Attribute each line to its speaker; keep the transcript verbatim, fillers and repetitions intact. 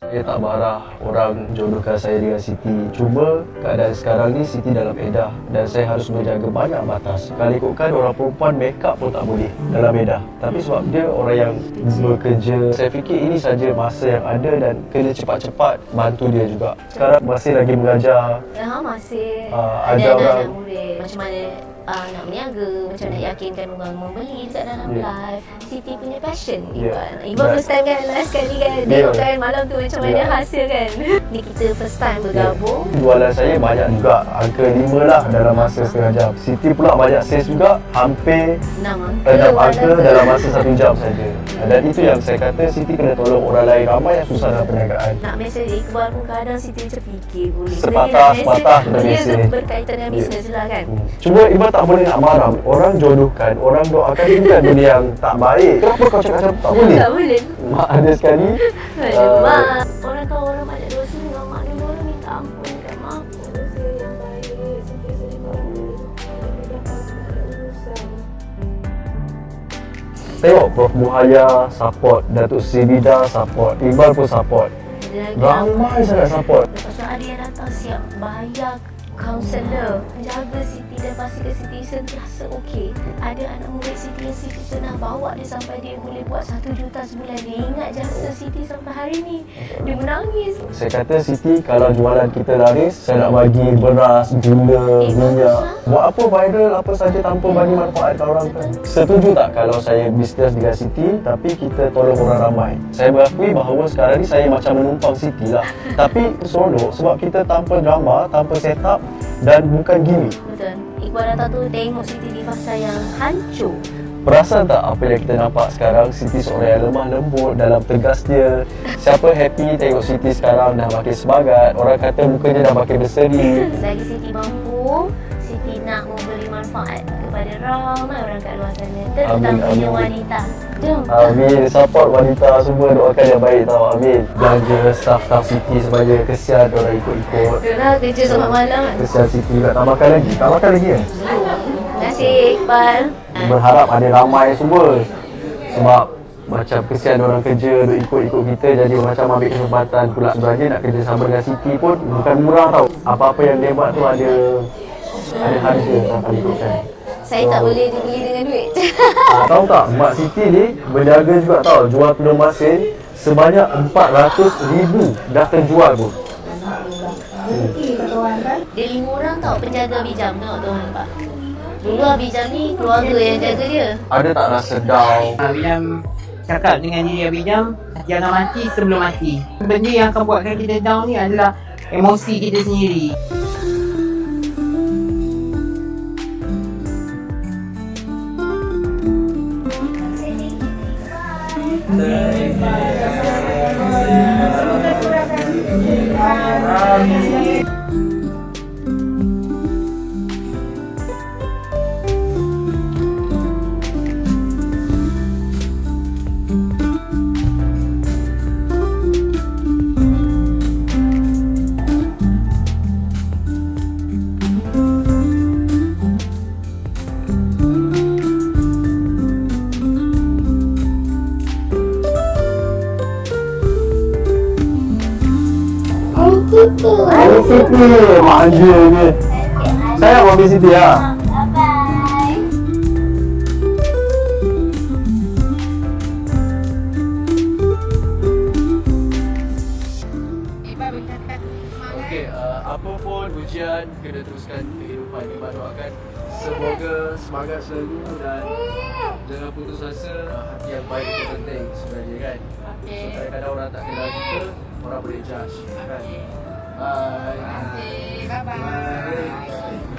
Speaker 1: Saya tak marah orang jodohkan saya dengan Siti. Cuma keadaan sekarang ni Siti dalam edah dan saya harus menjaga banyak batas. Kalau ikutkan orang perempuan make up pun tak boleh dalam edah. Tapi sebab dia orang yang bekerja, saya fikir ini saja masa yang ada dan kena cepat-cepat bantu dia juga. Sekarang masih lagi mengajar.
Speaker 2: Ya, masih
Speaker 1: uh,
Speaker 2: ada,
Speaker 1: ada orang
Speaker 2: anak murid. Macam mana uh, nak berniaga, macam nak yakinkan orang membeli dekat dalam yeah. live. Siti punya passion yeah. Iqbal. Iqbal first time kan, last kali kan yeah. Tengok kan malam tu macam mana yeah. hasil kan. Ni kita first time bergabung yeah. Jualan saya banyak juga, angka lima lah dalam masa setengah jam. Siti pula banyak sales juga, hampir enam angka dalam masa satu jam saja. Dan itu yang saya kata Siti kena tolong orang lain, ramai yang susah dalam perniagaan. Nak mesej Iqbal pun kadang Siti macam fikir boleh
Speaker 1: sepatah sepatah sudah
Speaker 2: mesej.
Speaker 1: mesej
Speaker 2: Dia berkaitan dengan bisnes yeah. lah kan.
Speaker 1: hmm. Cuma Iqbal tak boleh nak marah. Orang jodohkan, orang doakan, ini bukan benda yang tak baik. Kenapa kau cakap macam tak boleh?
Speaker 2: Tak boleh.
Speaker 1: Mak ada sekali
Speaker 2: Aduh, uh, mak. Orang tahu orang banyak dosa dengan mak ni, orang minta ampun kat mak. Dosa yang baik,
Speaker 1: tengok Prof Muhaya support, Datuk Sibida support, Iqbal pun support. Ramai sangat support.
Speaker 2: Lepas tu ada yang datang siap bayar kaunselor, jaga Siti dan pastikan Siti sentiasa okey. Ada anak murid Siti yang Siti pernah bawa dia sampai dia boleh buat satu juta sebulan. Dia ingat jasa Siti sampai hari ni. Dia menangis.
Speaker 1: Saya kata Siti, kalau jualan kita laris, saya nak bagi beras, gula, eh, minyak. Buat apa viral apa saja tanpa bagi manfaat ke orang kan? Setuju tak kalau saya bisnes dengan Siti tapi kita tolong orang ramai? Saya berakui bahawa sekarang ni saya macam menumpang Siti lah. Tapi seronok sebab kita tanpa drama, tanpa setup dan bukan gimmick.
Speaker 2: Betul. Iqbal datang tu tengok Siti di fasa yang hancur.
Speaker 1: Perasan tak apa yang kita nampak sekarang? Siti seorang yang lemah lembut dalam tegas dia. Siapa happy tengok Siti sekarang dah makin semangat. Orang kata mukanya dah makin berseri.
Speaker 2: Selagi Siti mampu, Siti nak memberi manfaat kepada ramai orang kat luar sana, terutamanya wanita. Jom.
Speaker 1: Amin. Support wanita semua, doakan yang baik tau. Amin. Belanja staff-staff Siti supaya kesian orang ikut-ikut.
Speaker 2: Itulah kerja sampai malam.
Speaker 1: Kesian Siti tak, tak makan lagi. Tak makan lagi kan?
Speaker 2: Terima kasih Iqbal.
Speaker 1: Berharap ada ramai semua. Sebab macam kesian orang kerja duk ikut-ikut kita, jadi macam ambil kesempatan pula. Sebenarnya nak kerja sama dengan Siti pun bukan murah tau. Apa-apa yang dia buat tu ada ada harga sampai ikutkan.
Speaker 2: Saya so, tak boleh dibeli dengan duit.
Speaker 1: Ah, tahu tak, Mak Siti ni berniaga juga tau. Jual telur masin sebanyak empat ratus ribu dah terjual pun.
Speaker 2: Hmm. Dia lima orang tau penjaga bijam, tengok tu nampak. Dulu Abijam ni keluarga yang jaga dia. Ada tak rasa down?
Speaker 3: Abijam cakap dengan diri Abijam, jangan mati sebelum mati. Benda yang akan buatkan kita down ni adalah emosi kita sendiri.
Speaker 1: Ayah Siti, manja ke? Sayang Mami Siti lah.
Speaker 2: Bye-bye.
Speaker 1: Okey, uh, apa pun ujian, kena teruskan kehidupan. Iqbal doakan semoga semangat selalu dan jangan putus asa. Uh, hati yang baik itu penting sebenarnya kan. Okay. So kadang-kadang orang tak kenal kita, orang boleh judge kan. Bye.
Speaker 3: Terima kasih. Bye-bye.
Speaker 1: Bye.